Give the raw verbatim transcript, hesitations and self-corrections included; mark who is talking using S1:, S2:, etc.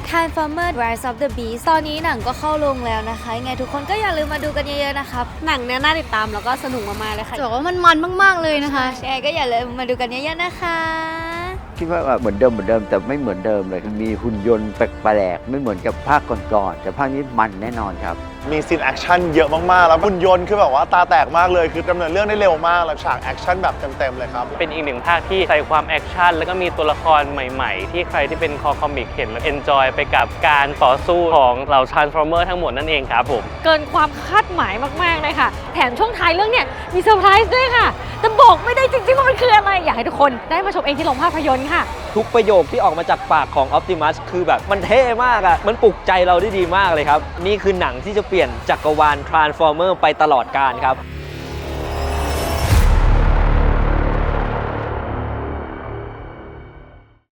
S1: Transformers Rise of the Beast ตอนนี้หนังก็เข้าโรงแล้วนะคะยังไงทุกคนก็อย่าลืมมาดูกันเยอะๆนะครับหนังเนี่ยน่าติดตามแล้วก็สนุกมากๆเลยค่ะจะบอกว่ามันมันมากๆเลยนะคะยังไงก็อย่าลืมมาดูกันเยอะๆนะคะ
S2: คิดว่าเหมือนเดิมเหมือนเดิมแต่ไม่เหมือนเดิมเลยมีหุ่นยนต์แปลกๆไม่เหมือนกับภาคก่อนๆแต่ภาคนี้มันแน่นอนครับ
S3: มีซีนแอคชั่นเยอะมากๆแล้วหุ่นยนต์คือแบบว่าตาแตกมากเลยคือดำเนินเรื่องได้เร็วมากแล้วฉากแอคชั่นแบบเต็มๆเลยครับ
S4: เป็นอีกหนึ่งภาคที่ใส่ความแอคชั่นแล้วก็มีตัวละครใหม่ๆที่ใครที่เป็นคอคอมิกเห็นแล้วเอนจอยไปกับการต่อสู้ของเหล่า Transformer ทั้งหมดนั่นเองครับผม
S5: เกินความคาดหมายมากๆเลยค่ะแถมช่วงท้ายเรื่องเนี่ยมีเซอร์ไพรส์ด้วยค่ะแต่บอกไม่ได้จริงๆว่ามันคืออะไรอยากให้ทุกคนได้มาชมเองที่โรงภาพยนตร์ค่ะ
S6: ทุกประโยคที่ออกมาจากปากของ Optimus คือแบบมันเท่มากอะมันปลุกใจเราได้ดีมากเลยครับนี่คือหนังที่จะเปลี่ยนจักรวาล Transformer ไปตลอดกาลครับ